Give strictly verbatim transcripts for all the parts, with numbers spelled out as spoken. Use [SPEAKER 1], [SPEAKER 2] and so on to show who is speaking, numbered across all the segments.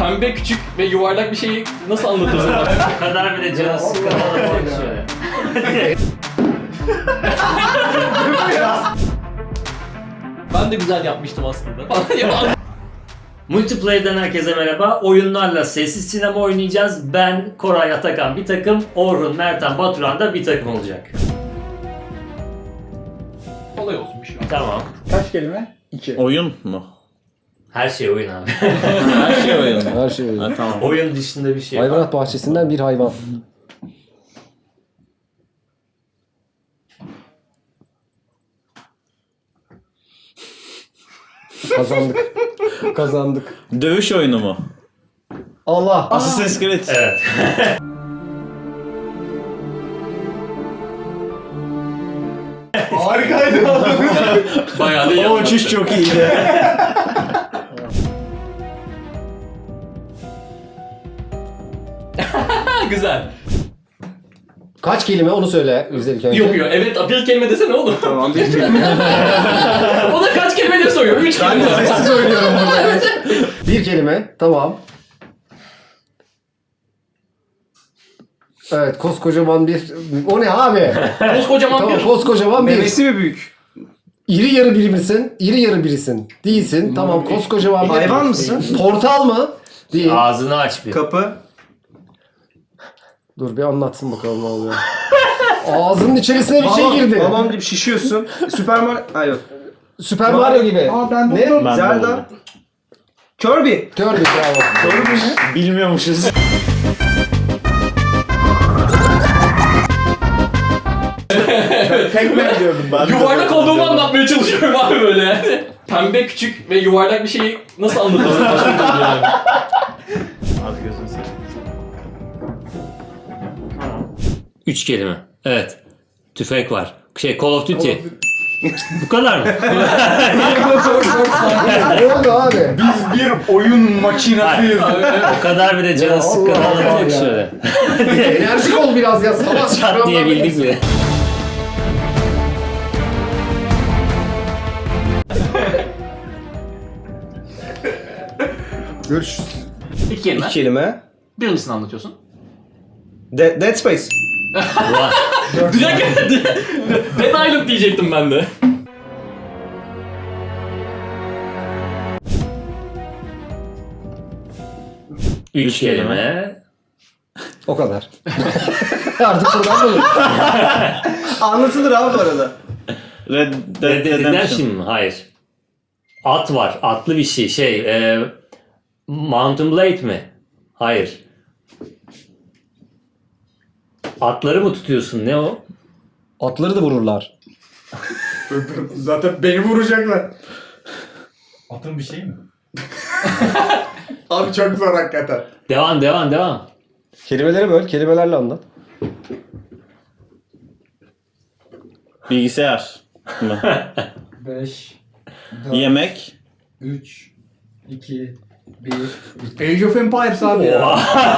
[SPEAKER 1] Pembe, küçük ve yuvarlak bir şeyi nasıl anlatırsın?
[SPEAKER 2] O kadar bile canı sıkılan şöyle.
[SPEAKER 1] Ben de güzel yapmıştım aslında.
[SPEAKER 2] Multiplayer'den herkese merhaba. Oyunlarla sessiz sinema oynayacağız. Ben, Koray, Atakan bir takım, Orhun, Mertan, Baturan da bir takım olacak.
[SPEAKER 1] Kolay olsun bir şey.
[SPEAKER 2] Tamam.
[SPEAKER 3] Kaç kelime? İki.
[SPEAKER 4] Oyun mu?
[SPEAKER 2] Her şey oyun abi.
[SPEAKER 4] Her şey oyun.
[SPEAKER 5] Her şey öyle.
[SPEAKER 4] Ha, tamam.
[SPEAKER 2] Oyun dışında bir şey var.
[SPEAKER 5] Hayvanat bahçesinden bir hayvan. Kazandık. Kazandık.
[SPEAKER 4] Dövüş oyunu mu?
[SPEAKER 5] Allah.
[SPEAKER 4] Assassin's Creed.
[SPEAKER 2] Evet.
[SPEAKER 3] Harikaydı.
[SPEAKER 1] Bayağı da iyi
[SPEAKER 4] O uçuş çok iyiydi.
[SPEAKER 1] Güzel.
[SPEAKER 5] Kaç kelime onu söyle güzel önce.
[SPEAKER 1] Yok yok. Evet, bir kelime desene oğlum.
[SPEAKER 3] Tamam bir kelime.
[SPEAKER 1] O da kaç kelime diye soruyor. Üç
[SPEAKER 3] Ben
[SPEAKER 1] kelime.
[SPEAKER 3] de sessiz oynuyorum burada.
[SPEAKER 5] Bir kelime. Tamam. Evet, koskocaman bir... O ne abi?
[SPEAKER 1] Koskocaman
[SPEAKER 5] Tamam,
[SPEAKER 1] bir...
[SPEAKER 5] koskocaman bir...
[SPEAKER 3] Memesi mi büyük?
[SPEAKER 5] İri yarı biri misin? İri yarı birisin. Değilsin. Tamam, koskocaman bir...
[SPEAKER 3] Hayvan mısın?
[SPEAKER 5] Portal mı? Değil.
[SPEAKER 2] Ağzını aç bir.
[SPEAKER 3] Kapı.
[SPEAKER 5] Dur bir anlatsın bakalım ne oluyor. Ağzının içerisine bir şey
[SPEAKER 3] Balon-
[SPEAKER 5] girdi.
[SPEAKER 3] Balon gibi şişiyorsun. Süper Mario... Hayır yok.
[SPEAKER 5] Süper Mario gibi.
[SPEAKER 3] Aa ben
[SPEAKER 5] Ne?
[SPEAKER 3] buldum.
[SPEAKER 4] Ben de
[SPEAKER 3] Zelda.
[SPEAKER 4] buldum.
[SPEAKER 3] Kirby.
[SPEAKER 5] Kirby bravo.
[SPEAKER 3] Kirby ne?
[SPEAKER 4] Bilmiyormuşuz. Pac-Man diyordum ben.
[SPEAKER 1] Yuvarlak olduğumu anlatmaya çalışıyorum abi böyle. Pembe, küçük ve yuvarlak bir şeyi nasıl anlatırsın? Başka bir türlü yani.
[SPEAKER 4] Az gözünü seveyim.
[SPEAKER 2] Üç kelime. Evet. Tüfek var. Şey, Call of Duty. Bu kadar mı?
[SPEAKER 5] Ne oldu abi?
[SPEAKER 3] Biz bir oyun makinasıyız.
[SPEAKER 2] O kadar bile canı sıkılan
[SPEAKER 5] Allah Allah ya.
[SPEAKER 2] şöyle.
[SPEAKER 5] Enerjik ol biraz ya. Sabah
[SPEAKER 2] Çat diye bildik mi?
[SPEAKER 5] Görüşürüz.
[SPEAKER 1] İki kelime.
[SPEAKER 3] İki kelime.
[SPEAKER 1] Birincisini anlatıyorsun.
[SPEAKER 3] De- Dead Space.
[SPEAKER 2] Ulan.
[SPEAKER 1] Direkt Dead Island diyecektim ben de.
[SPEAKER 2] Üç kelime.
[SPEAKER 5] O kadar. Artık buradan bulur.
[SPEAKER 3] Anlatılır abi bu arada.
[SPEAKER 4] Red
[SPEAKER 2] Red
[SPEAKER 4] Dead
[SPEAKER 2] Dead
[SPEAKER 4] Redemption.
[SPEAKER 2] Redemption mı? Hayır. At var. Atlı bir şey. Şey. E, Mountain Blade mi? Hayır. Atları mı tutuyorsun? Ne o?
[SPEAKER 5] Atları da vururlar.
[SPEAKER 3] Zaten beni vuracaklar.
[SPEAKER 6] Atın bir şey mi?
[SPEAKER 3] Abi çok zor hakikaten.
[SPEAKER 2] Devam devam devam.
[SPEAKER 5] Kelimeleri böl. Kelimelerle anlat.
[SPEAKER 4] Bilgisayar mı?
[SPEAKER 6] beş, dört,
[SPEAKER 4] Yemek.
[SPEAKER 6] üç, iki, bir.
[SPEAKER 3] Age of Empires abi ya.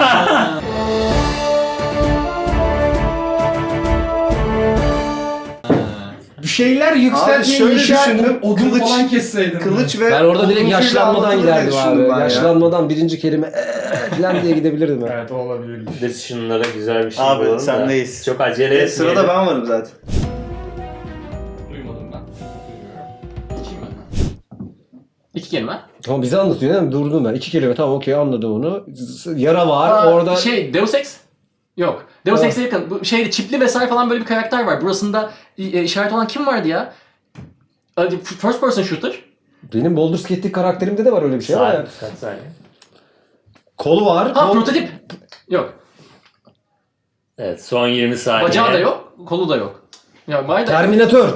[SPEAKER 3] Bir şeyler
[SPEAKER 6] Abi
[SPEAKER 3] yükseltmeyi
[SPEAKER 6] şöyle
[SPEAKER 3] inşa
[SPEAKER 6] düşündüm, odun
[SPEAKER 3] kılıç,
[SPEAKER 6] falan kesseydin.
[SPEAKER 3] kılıç ve
[SPEAKER 5] Ben orada direkt
[SPEAKER 3] odunuyla
[SPEAKER 5] yaşlanmadan
[SPEAKER 3] anlatılır diye
[SPEAKER 5] giderdim
[SPEAKER 3] düşündüm
[SPEAKER 5] abi.
[SPEAKER 3] ben ya.
[SPEAKER 5] Yaşlanmadan birinci kelime eee falan diye gidebilirdim ben.
[SPEAKER 3] Evet o olabilir.
[SPEAKER 2] Decision'lara güzel bir şey
[SPEAKER 4] Abi,
[SPEAKER 2] bulalım da.
[SPEAKER 4] sendeyiz.
[SPEAKER 2] Çok acele
[SPEAKER 3] E,
[SPEAKER 2] etmeyelim.
[SPEAKER 3] sırada ben varım zaten.
[SPEAKER 1] Duymadım ben. İçeyim mi? İki kelime.
[SPEAKER 5] Tamam bize anlatıyor değil mi? Durdum ben. İki kelime tamam okey anladım onu. Yara var
[SPEAKER 1] Aa,
[SPEAKER 5] orada.
[SPEAKER 1] Şey, Deus Ex? Yok. Deus
[SPEAKER 5] Ha.
[SPEAKER 1] Ex'e yakın. Bu şeyde çipli vesaire falan böyle bir karakter var. Burasında e, işaret olan kim vardı ya? Hadi, First person shooter.
[SPEAKER 5] Benim Baldur's Gate'deki karakterimde de var öyle bir şey ama
[SPEAKER 2] Saniye,
[SPEAKER 5] ya.
[SPEAKER 2] kaç saniye?
[SPEAKER 5] Kolu var.
[SPEAKER 1] Ha,
[SPEAKER 5] kol-
[SPEAKER 1] prototip. Yok.
[SPEAKER 2] Evet, son yirmi saniye.
[SPEAKER 1] Bacağı da yok, kolu da yok. Ya vay da.
[SPEAKER 5] Terminator.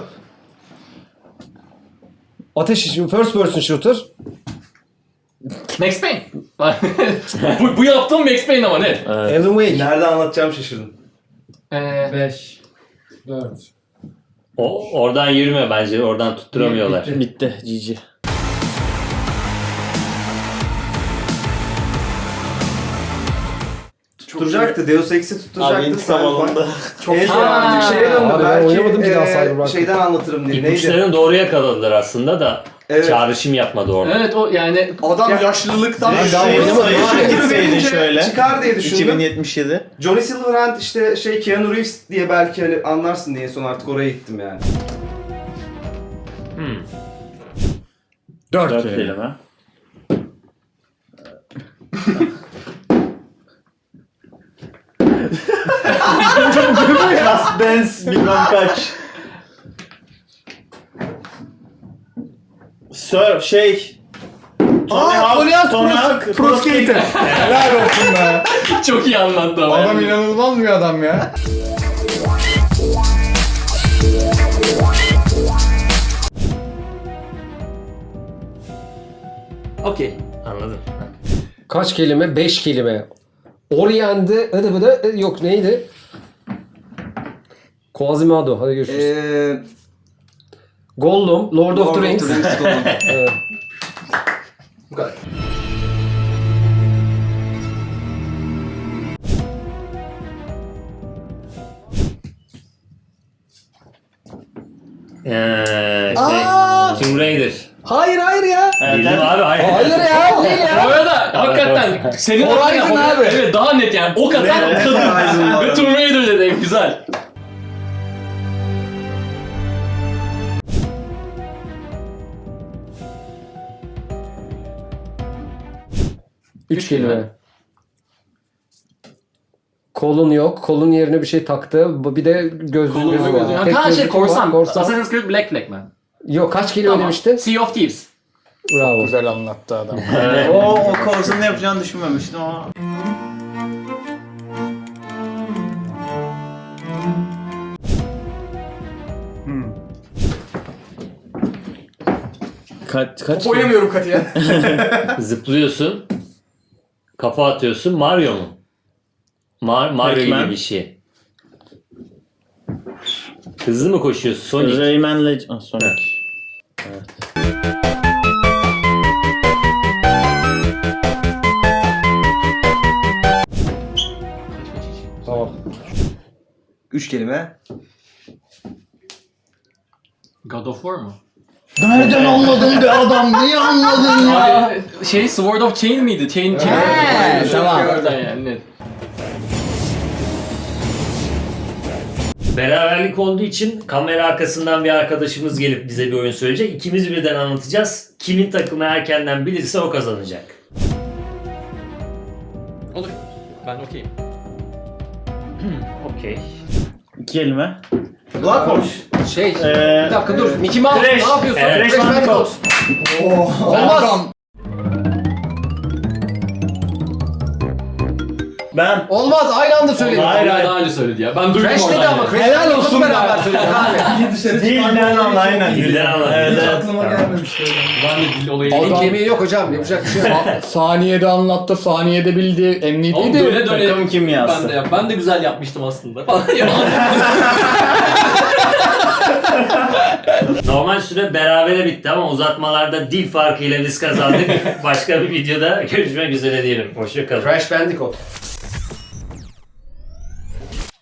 [SPEAKER 5] Ateş first person shooter.
[SPEAKER 1] Max Payne. bu, bu yaptığım Max Payne ama net.
[SPEAKER 5] Alan Wake.
[SPEAKER 3] Nerede anlatacağım şaşırdım.
[SPEAKER 1] Ee,
[SPEAKER 6] beş, dört.
[SPEAKER 2] O, oradan yürüme bence, oradan tutturamıyorlar.
[SPEAKER 6] Bitti.
[SPEAKER 4] Bitti. G G.
[SPEAKER 3] Tutturacaktı. Deus Ex'i tutturacaktı.
[SPEAKER 4] Abi intikam alındı.
[SPEAKER 3] Çok en son
[SPEAKER 1] Ha.
[SPEAKER 3] artık şeye döndü.
[SPEAKER 5] Abi ben
[SPEAKER 3] Belki
[SPEAKER 5] oynamadım bir daha
[SPEAKER 3] e,
[SPEAKER 5] Cyberpunk.
[SPEAKER 3] şeyden anlatırım diye. Neydi?
[SPEAKER 2] İpuçlarını doğru yakaladılar aslında da
[SPEAKER 3] Evet.
[SPEAKER 2] Çağrışım yapmadı orada.
[SPEAKER 1] Evet o yani
[SPEAKER 3] Adam
[SPEAKER 1] Ya-
[SPEAKER 3] yaşlılıktan
[SPEAKER 5] Direkt
[SPEAKER 3] daha
[SPEAKER 5] sayı-
[SPEAKER 3] oynamadı.
[SPEAKER 5] sayı
[SPEAKER 3] Abi,
[SPEAKER 4] gitseydin
[SPEAKER 3] verince
[SPEAKER 4] şöyle.
[SPEAKER 3] çıkar diye düşündüm.
[SPEAKER 4] iki bin yetmiş yedi.
[SPEAKER 3] Johnny Silverhand işte şey Keanu Reeves diye belki hani anlarsın diye son artık oraya gittim yani.
[SPEAKER 2] Hmm.
[SPEAKER 5] Dört,
[SPEAKER 4] Dört
[SPEAKER 5] kelime.
[SPEAKER 4] kelime. Just Dance bilmem kaç. Surf şey. Tony
[SPEAKER 3] Aa,
[SPEAKER 4] Hawk,
[SPEAKER 3] Tony Hawk
[SPEAKER 4] Tony
[SPEAKER 3] Pro-
[SPEAKER 4] Hawk,
[SPEAKER 3] Pro Skater.
[SPEAKER 6] Helal olsun be.
[SPEAKER 1] çok iyi anlattı ama.
[SPEAKER 6] Adam
[SPEAKER 1] yani.
[SPEAKER 6] inanılmaz bir adam ya.
[SPEAKER 2] Okey. Anladım.
[SPEAKER 5] Kaç kelime? Beş kelime. Orient'de hadi bu da yok neydi? Quasimodo. Hadi görüşürüz.
[SPEAKER 3] Eee...
[SPEAKER 5] Gollum, Lord, of the Rings. Evet.
[SPEAKER 3] Bu kadar.
[SPEAKER 2] Ee,
[SPEAKER 3] Aa!
[SPEAKER 2] şey, Tomb Raider.
[SPEAKER 3] Hayır hayır ya.
[SPEAKER 2] Bildim abi hayır.
[SPEAKER 5] Hayır ya, değil ya.
[SPEAKER 1] Bu arada hakikaten senin
[SPEAKER 3] Horizon
[SPEAKER 1] aklına-
[SPEAKER 3] abi.
[SPEAKER 1] Evet daha net yani. O kadar
[SPEAKER 4] Evet,
[SPEAKER 1] kadın.
[SPEAKER 3] Horizon
[SPEAKER 1] Ve
[SPEAKER 3] abi.
[SPEAKER 1] Tomb Raider dedi güzel.
[SPEAKER 5] Üç kelime. Kolun yok. Kolun yerine bir şey taktı. Bu- Bir de gözlüğü
[SPEAKER 1] Kolunu
[SPEAKER 5] gözü
[SPEAKER 1] gözü.
[SPEAKER 5] var. Tek
[SPEAKER 1] Ha şey
[SPEAKER 5] gözlük var,
[SPEAKER 1] korsan.
[SPEAKER 5] korsan.
[SPEAKER 1] Assassin's Creed Black Flag Man.
[SPEAKER 5] Yok kaç kelime
[SPEAKER 1] Tamam.
[SPEAKER 5] demiştin?
[SPEAKER 1] Sea of Thieves.
[SPEAKER 5] Bravo.
[SPEAKER 6] Güzel anlattı adam.
[SPEAKER 4] o o korsanın yapacağını düşünmemiştim ama. Kaç kaç?
[SPEAKER 3] Oynamıyorum Katıya.
[SPEAKER 2] Zıplıyorsun. Kafa atıyorsun. Mario mu? Mar Mario
[SPEAKER 4] Pac-Man.
[SPEAKER 2] gibi bir şey. Hızlı mı koşuyorsun? Sonic.
[SPEAKER 4] Rayman Legend. Ah, Sonic.
[SPEAKER 5] Tamam.
[SPEAKER 3] Üç kelime.
[SPEAKER 1] God of War mu?
[SPEAKER 4] Nereden anladın be adam? Niye anladın
[SPEAKER 1] Abi, şey Sword of Chain miydi? Chain Chain.
[SPEAKER 3] He, tamam.
[SPEAKER 1] Oradan yani net.
[SPEAKER 2] Beraberlik olduğu için kamera arkasından bir arkadaşımız gelip bize bir oyun söyleyecek. İkimiz birden anlatacağız. Kimin takımı erkenden bilirse o kazanacak.
[SPEAKER 1] Olur. Ben okeyim.
[SPEAKER 2] Okey.
[SPEAKER 4] İki kelime.
[SPEAKER 3] Blackwash.
[SPEAKER 5] Şey,
[SPEAKER 4] Ee,
[SPEAKER 5] bir dakika dur. Mickey Mouse
[SPEAKER 2] Crash.
[SPEAKER 5] ne yapıyorsun?
[SPEAKER 2] Evet,
[SPEAKER 5] Crash Bandicoot. Olmaz.
[SPEAKER 4] Ben.
[SPEAKER 5] Olmaz. Aynı anda söyledim.
[SPEAKER 4] Hayır,
[SPEAKER 1] Hayır
[SPEAKER 4] hayır.
[SPEAKER 1] daha önce söyledi ya. Ben duydum
[SPEAKER 5] Crash
[SPEAKER 1] oradan
[SPEAKER 5] dedi ama.
[SPEAKER 1] yani.
[SPEAKER 5] Crash
[SPEAKER 6] Helal
[SPEAKER 5] Bandicoot'u
[SPEAKER 6] olsun
[SPEAKER 5] beraber
[SPEAKER 6] be.
[SPEAKER 5] söyledik abi.
[SPEAKER 6] İyi dışarı
[SPEAKER 4] Dilden
[SPEAKER 6] çıkarmak
[SPEAKER 4] al, aynen.
[SPEAKER 2] Dilden al.
[SPEAKER 4] Evet,
[SPEAKER 6] Hiç
[SPEAKER 4] evet.
[SPEAKER 6] aklıma gelmemişti.
[SPEAKER 1] Ben de dil olayı
[SPEAKER 5] Elin
[SPEAKER 6] Adam-
[SPEAKER 5] kemiği yok hocam. Yapacak bir şey yok.
[SPEAKER 6] Saniyede anlattı, saniyede bildi,
[SPEAKER 1] Oğlum
[SPEAKER 6] emniyetiydi.
[SPEAKER 1] döne döne.
[SPEAKER 4] Takım kimyası.
[SPEAKER 1] Ben de, yap. ben de güzel yapmıştım aslında.
[SPEAKER 2] Normal süre berabere bitti ama uzatmalarda dil farkıyla biz kazandık. Başka bir videoda görüşmek üzere diyelim. Hoşçakalın.
[SPEAKER 5] Crash Bandicoot.